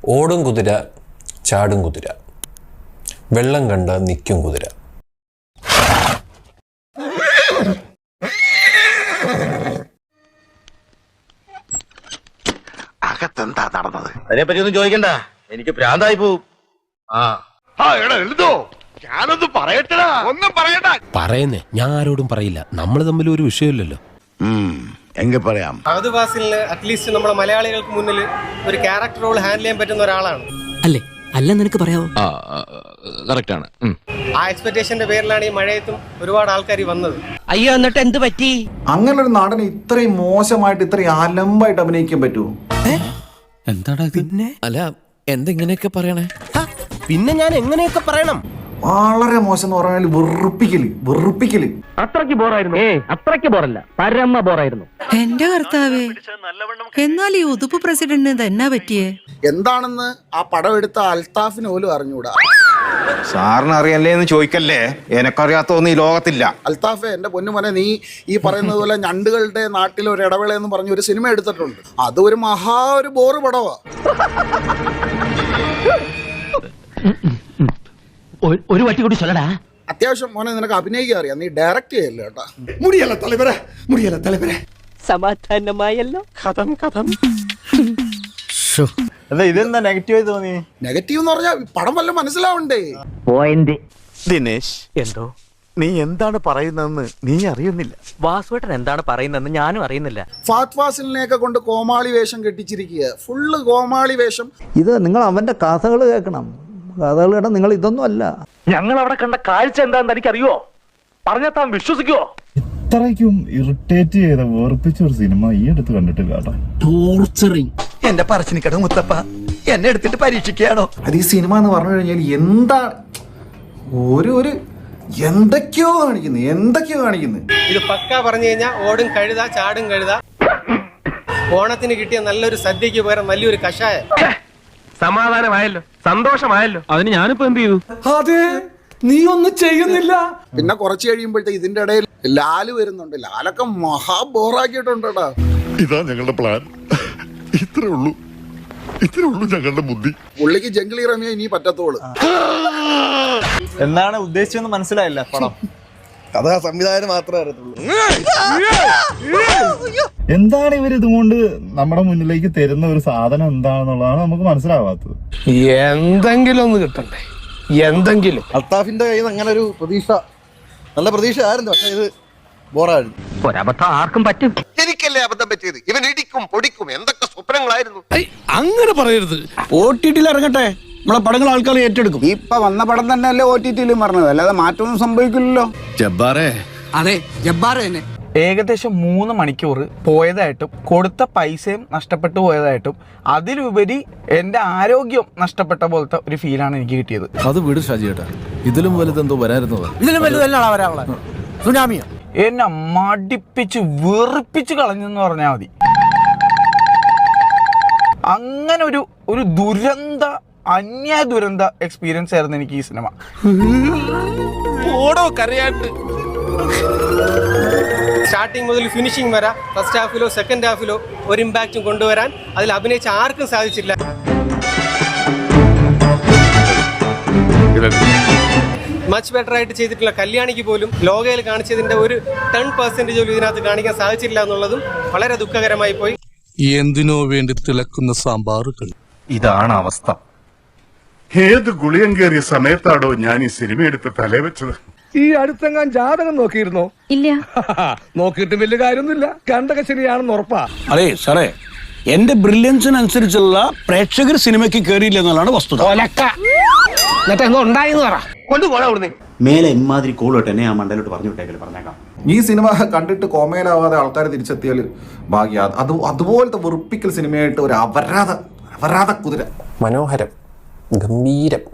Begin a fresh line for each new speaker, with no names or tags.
ഓടും കുതിര, ചാടും കുതിര, വെള്ളം കണ്ട നിൽക്കും കുതിര.
അകത്തെന്താ നടന്നത്? അതിനെപ്പറ്റി ഒന്നും ചോദിക്കണ്ട, എനിക്ക് ഭ്രാന്തായി പോവും. ഞാനൊന്നും പറയട്ടടാ. ഒന്നും പറയണ്ട.
പറയുന്നേ, ഞാൻ ആരോടും പറയില്ല. നമ്മൾ തമ്മിൽ ഒരു വിഷയമില്ലല്ലോ.
എങ്കിൽ പറയാം.
ഫഹദ് ഫാസിലിന് അറ്റ്ലീസ്റ്റ് നമ്മുടെ മലയാളികൾക്ക് മുന്നിൽ ഒരു ക്യാരക്ടർ റോൾ ഹാൻഡിൽ ചെയ്യാൻ പറ്റുന്ന ഒരാളാണ്.
അല്ലേ? അല്ല, നിനക്ക് പറയാവോ?
കറക്റ്റ് ആണ്.
ആ എക്സ്പെക്ടേഷന്റെ പേരിലാണ് ഈ മഴയത്തും ഒരുപാട് ആൾക്കാർ വന്നത്.
അയ്യോ, എന്നിട്ട് എന്ത് പറ്റി?
അങ്ങനെ ഒരു നടന് ഇത്രയും മോശമായിട്ട് ഇത്രയും അലമ്പായിട്ട് അഭിനയിക്കാൻ പറ്റുമോ?
എന്താടാ പിന്നെ? അല്ല, എന്തെങ്ങനെയൊക്കെ പറയണേ?
പിന്നെ ഞാൻ എങ്ങനെയൊക്കെ പറയണം?
വളരെ മോശം എന്ന് പറഞ്ഞാൽ വെറുപ്പിക്കല്.
അത്രയ്ക്ക് ബോറായിരുന്നു. അത്രയ്ക്ക് ബോറല്ല, പരമ ബോറായിരുന്നു.
എന്റെ കർത്താവേ, എന്നാൽ ഈ ഉതുപ്പ് പ്രസിഡന്റിന് തന്നെ പറ്റിയേ
എന്താണെന്ന് ആ പടം എടുത്ത അൽത്താഫിന് പോലും അറിഞ്ഞൂടാ.
സാറിന് അറിയല്ലേ എന്ന് ചോദിക്കല്ലേ, എനക്കറിയാത്തൊന്നും ഈ ലോകത്തില്ല.
അൽത്താഫെ, എന്റെ പൊന്നുമോനെ, നീ ഈ പറയുന്നത് പോലെ ഞണ്ടുകളുടെ നാട്ടിൽ ഒരു ഇടവേള എന്ന് പറഞ്ഞ ഒരു സിനിമ എടുത്തിട്ടുണ്ട്. അത് ഒരു ഒരു ബോറ് പടവാ.
ഒരു വട്ടി കൂടി ചൊല്ലടാ.
അത്യാവശ്യം മോനെ നിനക്ക് അഭിനയിക്കാൻ അറിയാം, നീ ഡയറക്റ്റ് ചെയ്യല്ലോ കേട്ടാ.
മുടിയല്ല തലവരെ.
സമാധാനമായല്ലോ.
ഇതെന്താ നെഗറ്റീവായി തോന്നി?
നെഗറ്റീവ് എന്ന് പറഞ്ഞാൽ പടം വല്ല മനസ്സിലാവണ്ടേ?
പോയിന്റ്.
ദിനേശ്,
എന്തോ
നീ എന്താണ് പറയുന്നതെന്ന് നീ അറിയുന്നില്ല.
വാസുവേട്ടൻ എന്താണ് പറയുന്നതെന്ന് ഞാനും അറിയുന്നില്ല.
ഫഹദ് ഫാസിലിനെയൊക്കെ കൊണ്ട് കോമാളി വേഷം കെട്ടിച്ചിരിക്കുക, ഫുള്ള് കോമാളി വേഷം.
ഇത് നിങ്ങൾ അവന്റെ കഥകൾ കേൾക്കണം. കഥകൾ കേട്ടാൽ നിങ്ങൾ ഇതൊന്നും അല്ല.
ഞങ്ങൾ അവിടെ കണ്ട കാഴ്ച എന്താണെന്ന് എനിക്കറിയോ? പറഞ്ഞാൽ താൻ വിശ്വസിക്കുവോ?
ഇത്രയ്ക്കും ഇറിറ്റേറ്റ് ചെയ്ത വേർപ്പിച്ച ഒരു സിനിമ ഈ അടുത്ത് കണ്ടിട്ടില്ല.
ടോർച്ചറിങ്.
എന്റെ പറച്ചിനിക്കട മുത്തപ്പ എന്നെ എടുത്തിട്ട് പരീക്ഷിക്കുകയാണോ?
അത് ഈ സിനിമ എന്ന് പറഞ്ഞു കഴിഞ്ഞാൽ എന്താ ഒരു എന്തൊക്കെയോ കാണിക്കുന്നത്.
ഇത് പക്ക പറഞ്ഞു കഴിഞ്ഞാൽ ഓടും കഴുത, ചാടും കഴുത. ഓണത്തിന് കിട്ടിയ നല്ലൊരു സദ്യക്ക് പകരം വലിയൊരു കഷായം.
സമാധാനമായല്ലോ, സന്തോഷമായല്ലോ. അതിന് ഞാനിപ്പോ എന്ത് ചെയ്തു?
അതെ, നീ ഒന്നും ചെയ്യുന്നില്ല.
പിന്നെ കുറച്ച് കഴിയുമ്പോഴത്തേക്ക് ഇതിന്റെ ഇടയിൽ ലാല് വരുന്നുണ്ട്. ലാലൊക്കെ ബോറാക്കിയിട്ടുണ്ടോ.
ഇതാ ഞങ്ങളുടെ പ്ലാൻ. ഇത്രേ ഉള്ളൂ ഞങ്ങളുടെ ബുദ്ധി.
പുള്ളിക്ക് ജംഗിളി റമിയ ഇനി പറ്റത്തോളൂ.
എന്താണ് ഉദ്ദേശിച്ചെന്ന് മനസ്സിലായില്ല. പടം
കഥ സംവിധാനം മാത്രമേ അറിയത്തുള്ളൂ.
എന്താണ് ഇവർ ഇതുകൊണ്ട് നമ്മുടെ മുന്നിലേക്ക് തരുന്ന ഒരു സാധനം എന്താണെന്നുള്ളതാണ് നമുക്ക് മനസ്സിലാവാത്തത്.
എന്തെങ്കിലും ഒന്ന് കിട്ടണ്ടേ, എന്തെങ്കിലും.
അൽത്താഫിന്റെ കയ്യിൽ നിന്ന് അങ്ങനെ ഒരു പ്രതീക്ഷ, നല്ല പ്രതീക്ഷ ആയിരുന്നു. പക്ഷെ ഇത് ബോറായിരുന്നു.
ഒരബദ്ധം ആർക്കും പറ്റും.
എനിക്കല്ലേ അബദ്ധം പറ്റിയത്. ഇവൻ ഇടിക്കും പൊടിക്കും എന്തൊക്കെ സ്വപ്നങ്ങളായിരുന്നു.
അങ്ങനെ പറയരുത്. OTT ഇറങ്ങട്ടെ, നമ്മളെ പടങ്ങൾ ആൾക്കാർ ഏറ്റെടുക്കും.
ഇപ്പൊ വന്ന പടം തന്നെ അല്ലേ OTT പറഞ്ഞത്, അല്ലാതെ മാറ്റമൊന്നും സംഭവിക്കില്ലല്ലോ.
ജബ്ബാറേ.
അതെ, ജബ്ബാർ തന്നെ.
ഏകദേശം 3 മണിക്കൂർ പോയതായിട്ടും കൊടുത്ത പൈസയും നഷ്ടപ്പെട്ടു പോയതായിട്ടും അതിലുപരി എൻ്റെ ആരോഗ്യം നഷ്ടപ്പെട്ട പോലത്തെ ഒരു ഫീലാണ് എനിക്ക് കിട്ടിയത്.
അത് വിട് ഷാജിയേട്ടാ, ഇതിലും വലുതെന്തോ വരായിരുന്നതാ.
ഇതിലും വലുതല്ല വരാനുള്ള സുനാമിയോ?
എന്നെ മടിപ്പിച്ച് വെറുപ്പിച്ച് കളഞ്ഞെന്ന് പറഞ്ഞാൽ മതി. അങ്ങനെ ഒരു ദുരന്ത എക്സ്പീരിയൻസ് ആയിരുന്നു എനിക്ക് ഈ സിനിമ.
ഓടോ കരയാണ്ട്.
സ്റ്റാർട്ടിങ് മുതൽ ഫിനിഷിംഗ് വരെ ഫസ്റ്റ് ഹാഫിലോ സെക്കൻഡ് ഹാഫിലോ ഒരു ഇമ്പാക്റ്റും കൊണ്ടുവരാൻ അതിൽ അഭിനയിച്ച ആർക്കും സാധിച്ചില്ല. മച്ച് ബെറ്റർ ആയിട്ട് ചെയ്തിട്ടുള്ള കല്യാണിക്ക് പോലും ലോകയിൽ കാണിച്ചതിന്റെ ഒരു 10% പോലും ഇതിനകത്ത് കാണിക്കാൻ സാധിച്ചില്ല എന്നുള്ളതും വളരെ ദുഃഖകരമായി പോയി.
എന്തിനോ വേണ്ടി തിളക്കുന്ന സാമ്പാറുകൾ.
ഇതാണ് അവസ്ഥ. ഏത് ഗുളിയം കയറിയ സമയത്താണോ ഞാൻ ഈ സിനിമ എടുത്ത് തലവെച്ചത്.
ഈ അടുത്തെങ്ങാൻ ജാതകം നോക്കിയിരുന്നോ?
ഇല്ല.
നോക്കിയിട്ട് വലിയ കാര്യമൊന്നുമില്ല, കണ്ടക ശരിയാണെന്ന് ഉറപ്പാ.
അതെ സാറേ, എന്റെ ബ്രില്യൻസിനനുസരിച്ചുള്ള പ്രേക്ഷകർ സിനിമയ്ക്ക് കയറിയില്ല എന്നുള്ളതാണ് വസ്തുത.
മേലെ ഇമാതിരി കോളോട്ട് എന്നെ ആ മണ്ടലോട്ട് പറഞ്ഞു വിട്ടേക്കല് പറഞ്ഞേക്കാം.
ഈ സിനിമ കണ്ടിട്ട് കോമയിലാവാതെ ആൾക്കാർ തിരിച്ചെത്തിയാൽ ഭാഗ്യ. അതുപോലത്തെ വെറുപ്പിക്കൽ സിനിമയായിട്ട് ഒരു അപരാധ കുതിര.
മനോഹരം, ഗംഭീരം.